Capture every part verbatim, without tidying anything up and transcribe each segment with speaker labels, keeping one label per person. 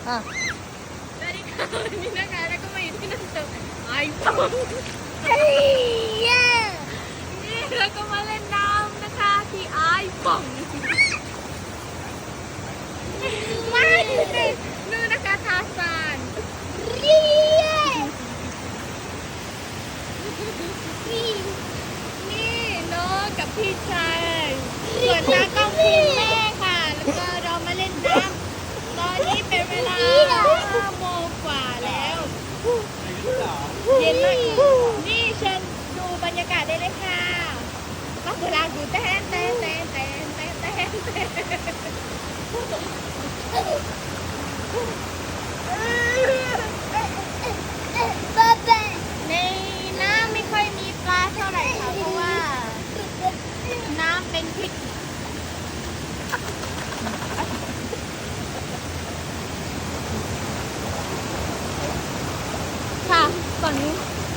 Speaker 1: อ่ะ
Speaker 2: สวัสดีค่ะวันนี้นะคะแล้วก็มาอยู่ที่นั่นเจอไอโฟนนี่แล้วก็มาเล่นน้ำนะคะที่ไอโฟนไม่นู่นนะคะทาซานนี่น้องกับพี่ชายส่วนตากล้องคุณแม่ค่ะ แล้วก็เรามาเล่นน้ำตอนนี้เป็นเวลาห้าโมงกว่าแล้วเย็นมากนี่เชิญดูบรรยากาศได้เลยค่ะก็เวลาดูแต้นแต้นแต้นแต้นแต้นแต้นแต้นในน้ำไม่ค่อยมีปลาเท่าไหร่ค่ะเพราะว่าน้ำเป็นพิษค่ะฝั่งนู้น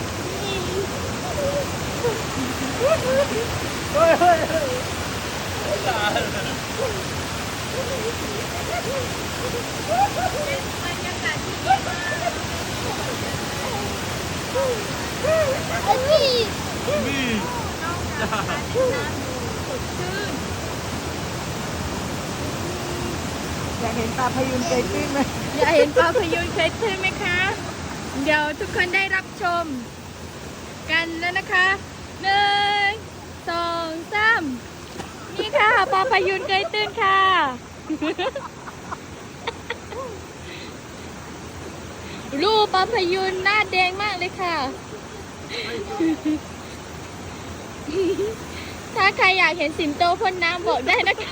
Speaker 1: เฮ้ยเฮ้ยเฮ้ย
Speaker 2: เป็นบรรยากาศที่ดีมาก
Speaker 1: นี่
Speaker 2: นอกจากการเล่นน้ำดูสดชื่น
Speaker 1: อยากเห็นปลาพยูนเกยตื้นไหม
Speaker 2: อยากเห็นปลาพยูนเคยใช่ไหมคะ เดี๋ยวทุกคนได้รับชมกันแล้วนะคะหนึ่งสองสามนี่ค่ะปลาพยูนเคยตื้นค่ะ รูปปลาพยูนหน้าแดงมากเลยค่ะ ถ้าใครอยากเห็นสิงโตพ่นน้ำบอกได้นะคะ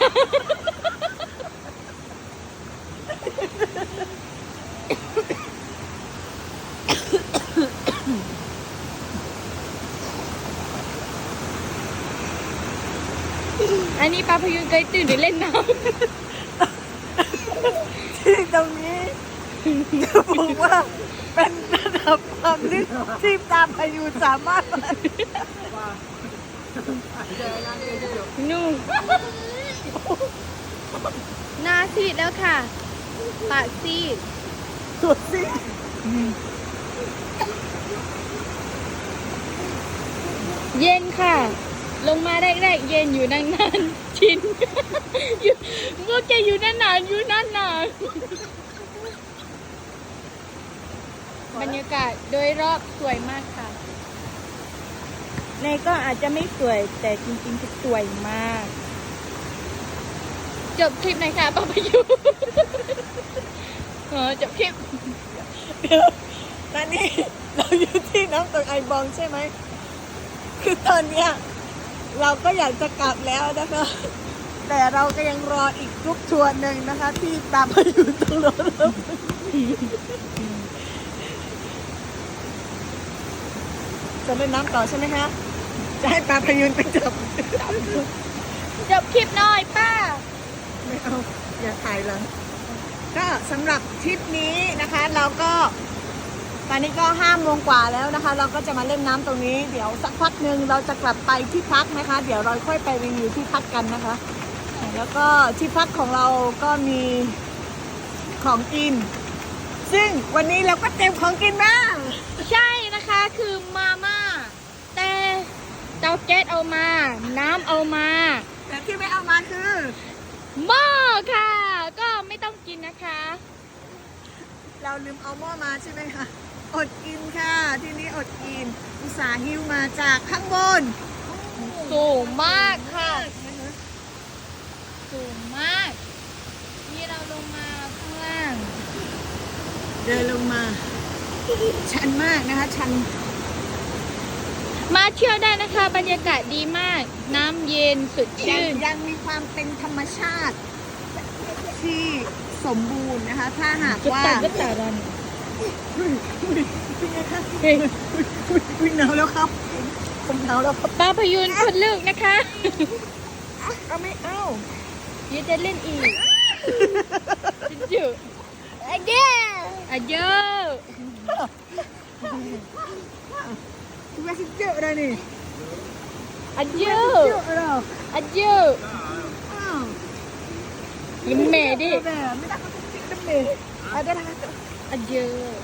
Speaker 2: อันนี้ปลาพยูนเคยตื่นหรือเล่นน้ำ
Speaker 1: ที่ตรงนี้จะบอกว่าเป็นระดับความลึกที่ปลาพยูนสามารถ
Speaker 2: นู่นหน้าซีดแล้วค่ะ ปากซีด
Speaker 1: สุดสิ
Speaker 2: เย็นค่ะ ลงมาแรกๆเย็นอยู่นานๆชิน อยู่เมื่อแกอยู่นานๆอยู่นานๆบรรยากาศโดยรอบสวยมากค่ะ ในก็อาจจะไม่สวยแต่จริงๆคือสวยมาก จบคลิปหน่อยค่ะป้าพายุ เออจบคลิป
Speaker 1: เดี๋ยวตอนนี้เราอยู่ที่น้ำตกไอบองใช่ไหมคือตอนเนี้ยเราก็อยากจะกลับแล้วนะคะ แต่เราก็ยังรออีกกรุ๊ปทัวร์หนึ่งนะคะ ที่ตามมาอยู่ตรงโน้นจะเล่นน้ำต่อใช่ไหมคะจะให้ปลาพยูนไปจับ
Speaker 2: จบคลิปหน่อยป้า
Speaker 1: ไม่เอาอย่าถ่ายหลังก็สำหรับทริปนี้นะคะ เราก็ตอนนี้ก็ห้าโมงกว่าแล้วนะคะ เราก็จะมาเล่นน้ำตรงนี้เดี๋ยวสักพักหนึ่งเราจะกลับไปที่พักนะคะ เดี๋ยวเราค่อยไปรีวิวที่พักกันนะคะ แล้วก็ที่พักของเราก็มีของกิน ซึ่งวันนี้เราก็เตรียมของกินมา
Speaker 2: ใช่นะคะคือมาม่าแต่เตาแก๊สเอามา น้ำเอามา
Speaker 1: แต่ที่ไม่เอามาคือ
Speaker 2: หม้อค่ะ ก็ไม่ต้องกินนะคะ
Speaker 1: เราลืมเอาหม้อมาใช่ไหมคะอดกินค่ะที่นี้อดกินอุตส่าห์หิ้วมาจากข้างบน
Speaker 2: สูงมากค่ะสูงมาก นี่เราลงมาข้างล่าง
Speaker 1: เดินลงมา ชันมากนะคะ ชัน
Speaker 2: มาเที่ยวได้นะคะ บรรยากาศดีมาก น้ำเย็นสด
Speaker 1: ยัง
Speaker 2: ชื่น
Speaker 1: ยังมีความเป็นธรรมชาติ ที่สมบูรณ์นะคะ ถ้าหาก
Speaker 2: จะ
Speaker 1: ว่า
Speaker 2: ตัดก็ตัดรัน
Speaker 1: เป็นไงคะ
Speaker 2: เฮ้ย
Speaker 1: วิ่งหนาวแล้วครับผมหนาวแล้วครับ
Speaker 2: ปลาพยูนคนลึกนะคะ
Speaker 1: เอาไม่เอา
Speaker 2: เดี๋ยวจะเล่นอีกเยอะอะเยอะอะเยอะ
Speaker 1: คุณแม่สิเจออะไรนี่
Speaker 2: อะเย
Speaker 1: เจ
Speaker 2: อะ
Speaker 1: ออะไร
Speaker 2: อะเยอะ
Speaker 1: อ้าว
Speaker 2: ยิ้มแม่ดิ
Speaker 1: แม่ไม่ได้เขาจะติ๊กน้ำเมย์ Ada lah. Aja.